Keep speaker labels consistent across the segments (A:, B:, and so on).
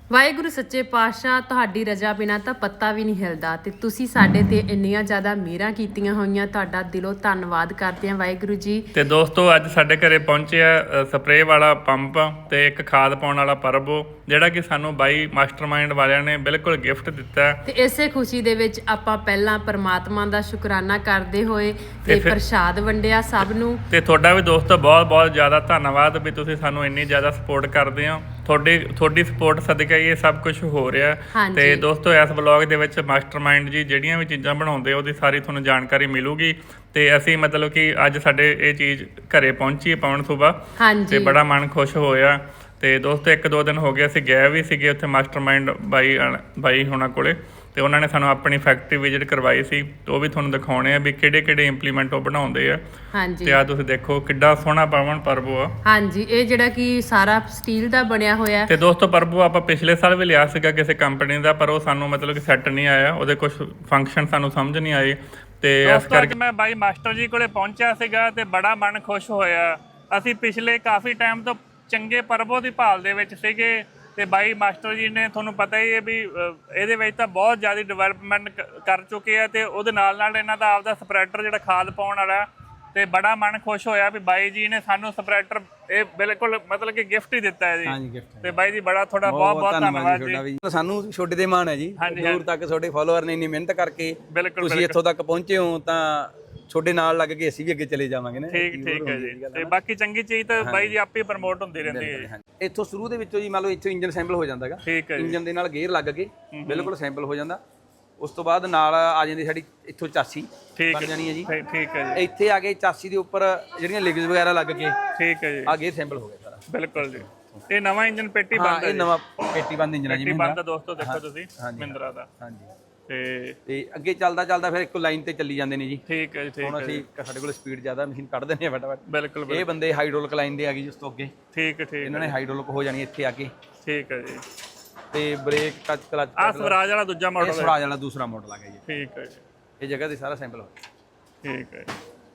A: ਵਾਹਿਗੁਰੂ ਸੱਚੇ ਪਾਤਸ਼ਾਹ, ਤੁਹਾਡੀ ਰਜ਼ਾ ਬਿਨਾਂ ਤਾਂ ਪੱਤਾ ਵੀ ਨਹੀਂ ਹਿਲਦਾ ਤੇ ਤੁਸੀਂ ਸਾਡੇ ਤੇ ਇੰਨੀਆਂ ਜ਼ਿਆਦਾ ਮਿਹਰਾਂ ਕੀਤੀਆਂ ਹੋਈਆਂ। ਤੁਹਾਡਾ ਦਿਲੋਂ ਧੰਨਵਾਦ ਕਰਦੇ ਹਾਂ ਵਾਹਿਗੁਰੂ ਜੀ।
B: ਤੇ ਦੋਸਤੋ ਅੱਜ ਸਾਡੇ ਘਰੇ ਪਹੁੰਚਿਆ ਸਪਰੇਅ ਵਾਲਾ ਪੰਪ ਤੇ ਇੱਕ ਖਾਦ ਪਾਉਣ ਵਾਲਾ ਪਰਬੋ, ਜਿਹੜਾ ਕਿ ਸਾਨੂੰ ਬਾਈ ਮਾਸਟਰਮਾਈਂਡ ਵਾਲਿਆਂ ਨੇ ਬਿਲਕੁਲ ਗਿਫਟ ਦਿੱਤਾ।
A: ਤੇ ਇਸੇ ਖੁਸ਼ੀ ਦੇ ਵਿੱਚ ਆਪਾਂ ਪਹਿਲਾਂ ਪਰਮਾਤਮਾ ਦਾ ਸ਼ੁਕਰਾਨਾ ਕਰਦੇ ਹੋਏ ਤੇ ਪ੍ਰਸ਼ਾਦ ਵੰਡਿਆ ਸਭ ਨੂੰ। ਤੇ
B: ਤੁਹਾਡਾ ਵੀ ਦੋਸਤੋ ਬਹੁਤ ਬਹੁਤ ਜ਼ਿਆਦਾ ਧੰਨਵਾਦ ਵੀ ਤੁਸੀਂ ਸਾਨੂੰ ਇੰਨੀ ਜ਼ਿਆਦਾ ਸਪੋਰਟ ਕਰਦੇ ਹੋ। ਤੁਹਾਡੀ ਸਪੋਰਟ ਸਦਕਾ ਇਹ ਸਭ ਕੁਝ ਹੋ ਰਿਹਾ। ਤੇ ਦੋਸਤੋ ਇਸ ਵਲੌਗ ਦੇ ਵਿੱਚ ਮਾਸਟਰਮਾਈਂਡ ਜੀ ਜਿਹੜੀਆਂ ਵੀ ਚੀਜ਼ਾਂ ਬਣਾਉਂਦੇ ਉਹਦੀ ਸਾਰੀ ਤੁਹਾਨੂੰ ਜਾਣਕਾਰੀ ਮਿਲੂਗੀ। ਤੇ ਅਸੀਂ ਮਤਲਬ ਕਿ ਅੱਜ ਸਾਡੇ ਇਹ ਚੀਜ਼ ਘਰੇ ਪਹੁੰਚੀ ਪਵਨ ਸੁਬਾ ਤੇ ਬੜਾ ਮਨ ਖੁਸ਼ ਹੋਇਆ। ਤੇ ਦੋਸਤੋ 1-2 ਦਿਨ ਹੋ ਗਏ ਅਸੀਂ ਗਏ ਵੀ ਸੀਗੇ ਉੱਥੇ ਮਾਸਟਰਮਾਈਂਡ ਬਾਈ ਹੋਣਾ ਕੋਲੇ, ਤੇ ਉਹਨਾਂ ਨੇ ਸਾਨੂੰ ਆਪਣੀ ਫੈਕਟਰੀ ਵਿਜ਼ਿਟ ਕਰਵਾਈ ਸੀ। ਤੇ ਉਹ ਵੀ ਤੁਹਾਨੂੰ ਦਿਖਾਉਣੇ ਆ ਵੀ ਕਿਹੜੇ ਇੰਪਲੀਮੈਂਟ ਉਹ ਬਣਾਉਂਦੇ ਆ। ਤੇ ਆ ਤੁਸੀਂ ਦੇਖੋ ਕਿੱਡਾ ਸੋਹਣਾ ਪਵਨ ਪਰਬੋ ਆ।
A: ਹਾਂਜੀ, ਇਹ ਜਿਹੜਾ ਕਿ ਸਾਰਾ ਸਟੀਲ ਦਾ ਬਣਿਆ ਹੋਇਆ।
B: ਤੇ ਦੋਸਤੋ ਪਰਬੋ ਆਪਾਂ ਪਿਛਲੇ ਸਾਲ ਵੀ ਲਿਆ ਸੀਗਾ ਕਿਸੇ ਕੰਪਨੀ ਦਾ, ਪਰ ਉਹ ਸਾਨੂੰ ਮਤਲਬ ਕਿ ਸੈੱਟ ਨਹੀਂ ਆਇਆ, ਉਹਦੇ ਕੁਝ ਫੰਕਸ਼ਨ ਸਾਨੂੰ ਸਮਝ ਨਹੀਂ ਆਏ। ਤੇ ਇਸ ਕਰਕੇ ਮੈਂ ਬਾਈ ਮਾਸਟਰ ਜੀ ਕੋਲੇ ਪਹੁੰਚਿਆ ਸੀਗਾ ਤੇ ਬੜਾ ਮਨ ਖੁਸ਼ ਹੋਇਆ। ਅਸੀਂ ਪਿਛਲੇ ਕਾਫੀ ਟਾਈਮ ਤੋਂ ਚੰਗੇ ਪਰਬੋ ਦੀ ਭਾਲ ਦੇ ਵਿੱਚ ਸੀਗੇ ਤੇ ਬਾਈ ਮਾਸਟਰ ਜੀ ਨੇ ਤੁਹਾਨੂੰ ਪਤਾ ਹੀ ਹੈ ਵੀ ਇਹਦੇ ਵਿੱਚ ਤਾਂ ਬਹੁਤ ਜ਼ਿਆਦਾ ਡਿਵੈਲਪਮੈਂਟ ਕਰ ਚੁੱਕੇ ਆ। ਤੇ ਉਹਦੇ ਨਾਲ ਇਹਨਾਂ ਦਾ ਆਪਦਾ ਸਪਰੈਡਰ ਜਿਹੜਾ ਖਾਦ ਪਾਉਣ ਵਾਲਾ, ਤੇ ਬੜਾ ਮਨ ਖੁਸ਼ ਹੋਇਆ ਵੀ ਬਾਈ ਜੀ ਨੇ ਸਾਨੂੰ ਸਪਰੈਡਰ ਇਹ ਬਿਲਕੁਲ ਮਤਲਬ ਕਿ ਗਿਫਟ ਹੀ ਦਿੱਤਾ ਹੈ ਜੀ।
C: ਹਾਂਜੀ ਗਿਫਟ।
B: ਤੇ ਬਾਈ ਜੀ ਬੜਾ ਤੁਹਾਡਾ ਬਹੁਤ ਧੰਨਵਾਦ ਜੀ।
C: ਸਾਨੂੰ ਛੋਟੇ ਦੇ ਮਾਣ ਹੈ ਜੀ, ਦੂਰ ਤੱਕ ਤੁਹਾਡੇ ਫਾਲੋਅਰ ਨੇ ਇੰਨੀ ਮਿਹਨਤ ਕਰਕੇ ਤੁਸੀਂ ਇੱਥੋਂ ਤੱਕ ਪਹੁੰਚੇ ਹੋ, ਤਾਂ ਤੁਹਾਡੇ ਨਾਲ ਲੱਗ ਕੇ ਅਸੀਂ ਵੀ ਅੱਗੇ ਚਲੇ ਜਾਵਾਂਗੇ ਨਾ।
B: ਠੀਕ ਹੈ ਜੀ। ਤੇ ਬਾਕੀ ਚੰਗੀ ਚੀਜ਼ ਤਾਂ ਬਾਈ ਜੀ ਆਪੇ ਪ੍ਰਮੋਟ ਹੁੰਦੀ ਰਹਿੰਦੀ ਹੈ।
C: ਇੱਥੋਂ ਸ਼ੁਰੂ ਦੇ ਵਿੱਚੋਂ ਜੀ ਮੰਨ ਲਓ ਇੱਥੋਂ ਇੰਜਨ ਸੈਂਪਲ ਹੋ ਜਾਂਦਾ ਹੈਗਾ।
B: ਠੀਕ ਹੈ ਜੀ।
C: ਇੰਜਨ ਦੇ ਨਾਲ ਗੇਅਰ ਲੱਗ ਕੇ ਬਿਲਕੁਲ ਸੈਂਪਲ ਹੋ ਜਾਂਦਾ। ਉਸ ਤੋਂ ਬਾਅਦ ਨਾਲ ਆ ਜਾਂਦੀ ਸਾਡੀ ਇੱਥੋਂ ਚਾਸੀ ਬਣ ਜਾਣੀ ਹੈ ਜੀ।
B: ਠੀਕ ਹੈ ਜੀ।
C: ਇੱਥੇ ਆ ਕੇ ਚਾਸੀ ਦੇ ਉੱਪਰ ਜਿਹੜੀਆਂ ਲਿਗਸ ਵਗੈਰਾ ਲੱਗ ਕੇ
B: ਠੀਕ ਹੈ ਜੀ
C: ਆ ਗੇਅਰ ਸੈਂਪਲ ਹੋ ਗਿਆ ਸਾਰਾ।
B: ਬਿਲਕੁਲ ਜੀ। ਇਹ ਨਵਾਂ ਇੰਜਨ ਪੇਟੀ ਬੰਦ ਹੈ।
C: ਇਹ ਨਵਾਂ ਪੇਟੀ ਬੰਦ ਇੰਜਨ ਹੈ ਜੀ।
B: ਪੇਟੀ ਬੰਦ ਦੋਸਤੋ ਦੇਖੋ ਤੁਸੀਂ ਮਹਿੰਦਰਾ ਦਾ।
C: ਹਾਂਜੀ।
B: ਤੇ
C: ਅੱਗੇ ਚੱਲਦਾ ਫਿਰ ਇੱਕੋ ਲਾਈਨ ਤੇ ਚੱਲੀ ਜਾਂਦੇ ਨੇ ਜੀ।
B: ਠੀਕ ਹੈ ਜੀ।
C: ਹੁਣ ਅਸੀਂ ਸਾਡੇ ਕੋਲ ਸਪੀਡ ਜ਼ਿਆਦਾ, ਮਸ਼ੀਨ ਕੱਢ ਦਿੰਦੇ ਆ ਫਟਾਫਟ।
B: ਬਿਲਕੁਲ।
C: ਇਹ ਬੰਦੇ ਹਾਈਡ੍ਰੋਲਿਕ ਲਾਈਨ ਦੇ ਆ ਗਏ ਜਿਸ ਤੋਂ ਅੱਗੇ।
B: ਠੀਕ
C: ਇਹਨਾਂ ਨੇ ਹਾਈਡ੍ਰੋਲਿਕ ਹੋ ਜਾਣੀ ਇੱਥੇ ਆ ਕੇ।
B: ਠੀਕ ਹੈ ਜੀ।
C: ਤੇ ਬ੍ਰੇਕ ਟੱਚ ਕਲਚ
B: ਆ ਸਵਰਾਜ ਵਾਲਾ ਦੂਜਾ ਮਾਡਲ ਹੈ।
C: ਸਵਰਾਜ ਵਾਲਾ ਦੂਸਰਾ ਮਾਡਲ ਆ ਗਿਆ ਜੀ।
B: ਠੀਕ ਹੈ ਜੀ।
C: ਇਹ ਜਗ੍ਹਾ ਤੇ ਸਾਰਾ ਸੈਂਪਲ ਹੋ ਗਿਆ।
B: ਠੀਕ ਹੈ।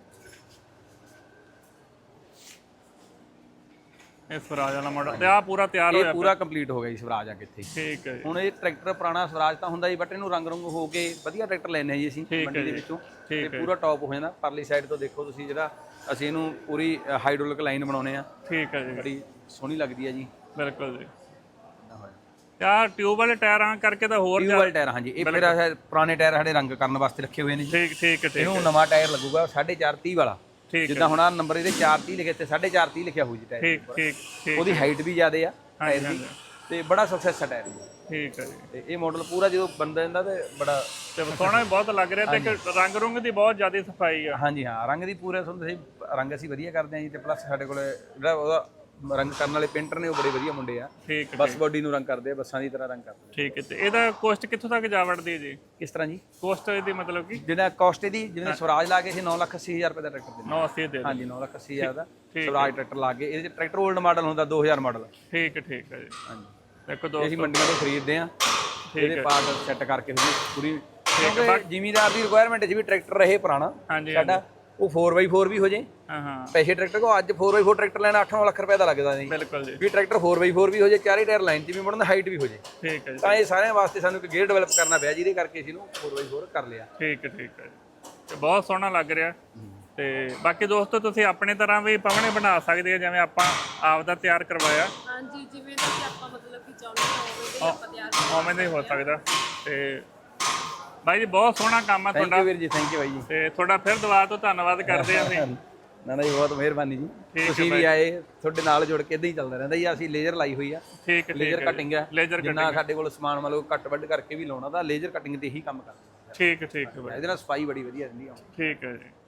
B: ਇਹ ਸਵਰਾਜ ਵਾਲਾ ਮਾਡਲ ਤੇ ਆ ਪੂਰਾ ਤਿਆਰ ਹੋਇਆ,
C: ਇਹ ਪੂਰਾ ਕੰਪਲੀਟ ਹੋ ਗਿਆ ਜੀ ਸਵਰਾਜ ਆ ਕੇ ਇੱਥੇ।
B: ਠੀਕ ਹੈ ਜੀ।
C: ਹੁਣ ਇਹ ਟਰੈਕਟਰ ਪੁਰਾਣਾ ਸਵਰਾਜ ਤਾਂ ਹੁੰਦਾ ਜੀ, ਬਟ ਇਹਨੂੰ ਰੰਗ ਹੋ ਕੇ ਵਧੀਆ ਟਰੈਕਟਰ ਲੈਣੇ ਆ ਜੀ ਅਸੀਂ ਮੰਡੀ ਦੇ ਵਿੱਚੋਂ। ਤੇ ਪੂਰਾ ਟੌਪ ਹੋ ਜਾਂਦਾ। ਪਰਲੀ ਸਾਈਡ ਤੋਂ ਦੇਖੋ ਤੁਸੀਂ, ਜਿਹੜਾ ਅਸੀਂ ਇਹਨੂੰ ਪੂਰੀ ਹਾਈਡ੍ਰੋਲਿਕ ਲਾਈਨ ਬਣਾਉਨੇ ਆ।
B: ਠੀਕ ਹੈ ਜੀ।
C: ਬੜੀ ਸੋਹਣੀ ਲੱਗਦੀ ਹੈ ਜੀ।
B: ਬਿਲਕੁਲ ਜੀ। ਯਾਰ ਟਿਊਬ ਵਾਲੇ ਟਾਇਰਾਂ ਕਰਕੇ ਤਾਂ ਹੋਰ
C: ਟਿਊਬ ਵਾਲੇ ਟਾਇਰ, ਹਾਂਜੀ। ਇਹ ਫਿਰ ਪੁਰਾਣੇ ਟਾਇਰ ਸਾਡੇ ਰੰਗ ਕਰਨ ਵਾਸਤੇ ਰੱਖੇ ਹੋਏ ਨੇ ਜੀ।
B: ਠੀਕ।
C: ਇਹਨੂੰ ਨਵਾਂ ਟਾਇਰ ਲੱਗੂਗਾ 4.5 ਵਾਲਾ। ਜਿੱਦਾਂ ਹੁਣ ਆ ਨੰਬਰ ਇਹਦੇ 430 ਲਿਖੇ ਤੇ 4.5 ਲਿਖਿਆ ਹੋਊ ਜੀ ਟਾਇਰ।
B: ਠੀਕ।
C: ਉਹਦੀ ਹਾਈਟ ਵੀ ਜ਼ਿਆਦਾ ਆ ਟਾਇਰ ਦੀ, ਤੇ ਬੜਾ ਸਕਸੈਸ ਆ ਟਾਇਰ ਜੀ।
B: ਠੀਕ ਹੈ ਜੀ।
C: ਤੇ ਇਹ ਮਾਡਲ ਪੂਰਾ ਜਦੋਂ ਬੰਦਾ ਜਾਂਦਾ ਤੇ ਬੜਾ
B: ਸੋਹਣਾ ਵੀ ਬਹੁਤ ਲੱਗ ਰਿਹਾ, ਤੇ ਰੰਗ ਰੁੰਗ ਦੀ ਬਹੁਤ ਜ਼ਿਆਦਾ ਸਫਾਈ ਆ।
C: ਹਾਂਜੀ ਹਾਂ, ਰੰਗ ਦੀ ਪੂਰਾ ਤੁਹਾਨੂੰ ਰੰਗ ਅਸੀਂ ਵਧੀਆ ਕਰਦੇ ਆ ਜੀ। ਤੇ ਪਲੱਸ ਸਾਡੇ ਕੋਲ ਜਿਹੜਾ ਉਹਦਾ ਰੰਗ ਕਰਨ ਵਾਲੇ ਪੇਂਟਰ ਨੇ ਉਹ ਬੜੇ ਵਧੀਆ ਮੁੰਡੇ ਆ।
B: ਠੀਕ।
C: ਬੱਸ ਬੋਡੀ ਨੂੰ ਰੰਗ ਕਰਦੇ ਆ, ਬੱਸਾਂ ਦੀ ਤਰ੍ਹਾਂ ਰੰਗ ਕਰਦੇ।
B: ਠੀਕ ਹੈ। ਤੇ ਇਹਦਾ ਕੋਸਟ ਕਿੱਥੋਂ ਤੱਕ ਜਾ ਵੜਦੀ ਹੈ ਜੀ?
C: ਕਿਸ ਤਰ੍ਹਾਂ ਜੀ
B: ਕੋਸਟ ਇਹਦੀ ਮਤਲਬ ਕਿ
C: ਜਿਹੜਾ ਕਾਸਟ ਇਹਦੀ, ਜਿਵੇਂ ਸਵਰਾਜ ਲਾ ਕੇ ਅਸੀਂ 9,80,000 ਰੁਪਏ ਦਾ ਟਰੈਕਟਰ ਦਿੰਦੇ।
B: 980 ਦੇ।
C: ਹਾਂਜੀ 9,80,000 ਦਾ ਸਵਰਾਜ ਟਰੈਕਟਰ ਲਾ ਕੇ। ਇਹਦੇ ਚ ਟਰੈਕਟਰ 올ਡ ਮਾਡਲ ਹੁੰਦਾ 2000 ਮਾਡਲ।
B: ਠੀਕ ਹੈ ਜੀ।
C: ਹਾਂਜੀ।
B: ਦੇਖੋ ਦੋਸਤੋ
C: ਅਸੀਂ ਮੰਡੀਆਂ ਤੋਂ ਖਰੀਦਦੇ ਆ, ਇਹਦੇ ਪਾਰਟ ਸੈੱਟ ਕਰਕੇ ਪੂਰੀ। ਕਿਉਂਕਿ ਜ਼ਿਮੀਦਾਰ ਦੀ ਰਿਕੁਆਇਰਮੈਂਟ 'ਚ ਵੀ ਟਰੈਕਟਰ ਰਹੇ ਪੁਰਾਣਾ ਸਾਡਾ, ਉਹ 4x4 ਵੀ ਹੋ ਜੇ। ਪੈਸੇ ਟਰੈਕਟਰ ਕੋ ਅੱਜ 4x4 ਟਰੈਕਟਰ ਲੈਣਾ 8-9 ਲੱਖ ਰੁਪਏ ਦਾ ਲੱਗਦਾ ਜੀ।
B: ਬਿਲਕੁਲ ਜੀ।
C: ਵੀ ਟਰੈਕਟਰ 4x4 ਵੀ ਹੋ ਜੇ, ਚਾਰੇ ਟਾਇਰ ਲਾਈਨ 'ਚ ਵੀ ਮੁੜਨ, ਹਾਈਟ ਵੀ ਹੋ ਜੇ।
B: ਠੀਕ ਹੈ ਜੀ।
C: ਤਾਂ ਇਹ ਸਾਰਿਆਂ ਵਾਸਤੇ ਸਾਨੂੰ ਇੱਕ ਗੇਅਰ ਡਿਵੈਲਪ ਕਰਨਾ ਪਿਆ, ਜਿਹਦੇ ਕਰਕੇ ਅਸੀਂ ਇਹਨੂੰ 4x4 ਕਰ ਲਿਆ।
B: ਠੀਕ ਹੈ ਜੀ। ਤੇ ਬਹੁਤ ਸੋਹਣਾ ਲੱਗ ਰਿਹਾ। ਤੇ ਬਾਕੀ ਦੋਸਤੋ ਤੁਸੀਂ ਆਪਣੇ ਤਰ੍ਹਾਂ ਵੀ ਪਵਨੇ ਬਣਾ ਸਕਦੇ ਆ, ਜਿਵੇਂ ਆਪਾਂ ਆਪ ਦਾ ਤਿਆਰ ਕਰਵਾਇਆ।
A: ਹਾਂਜੀ, ਜਿਵੇਂ ਤੁਸੀਂ ਆਪਾਂ ਮਤਲਬ ਕਿ ਚਾਹੁੰਦੇ ਹੋ
B: ਉਵੇਂ ਦਾ ਹੀ ਹੋ ਸਕਦਾ। ਤੇ ਬਾਈ ਜੀ ਬਹੁਤ ਸੋਹਣਾ ਕੰਮ ਆ ਤੁਹਾਡਾ।
C: ਥੈਂਕ ਯੂ ਵੀਰ ਜੀ, ਥੈਂਕ ਯੂ ਬਾਈ ਜੀ।
B: ਤੇ ਤੁਹਾਡਾ ਫਿਰ ਦੁਬਾਰਾ ਤੋਂ ਧੰਨਵਾਦ ਕਰਦੇ ਆ ਅਸੀਂ।
C: ਨਾ ਜੀ, ਬਹੁਤ ਮਿਹਰਬਾਨੀ ਜੀ। ਤੁਸੀਂ ਵੀ ਆਏ, ਤੁਹਾਡੇ ਨਾਲ ਜੁੜ ਕੇ ਇਦਾਂ ਹੀ ਚੱਲਦਾ ਰਹਿੰਦਾ ਜੀ। ਅਸੀਂ ਲੇਜ਼ਰ ਲਾਈ ਹੋਈ ਆ।
B: ਠੀਕ ਹੈ।
C: ਲੇਜ਼ਰ ਕਟਿੰਗ ਹੈ। ਜਿੰਨਾ ਸਾਡੇ ਕੋਲ ਸਮਾਨ ਮਤਲਬ ਕੱਟ ਵੱਢ ਕਰਕੇ ਵੀ ਲਾਉਣਾ, ਤਾਂ ਲੇਜ਼ਰ ਕਟਿੰਗ ਤੇ ਹੀ ਕੰਮ ਕਰਦੇ।
B: ਠੀਕ ਹੈ।
C: ਇਹਦੇ ਨਾਲ ਸਫਾਈ ਬੜੀ ਵਧੀਆ ਰਹਿੰਦੀ ਆ।
B: ਠੀਕ ਹੈ ਜੀ।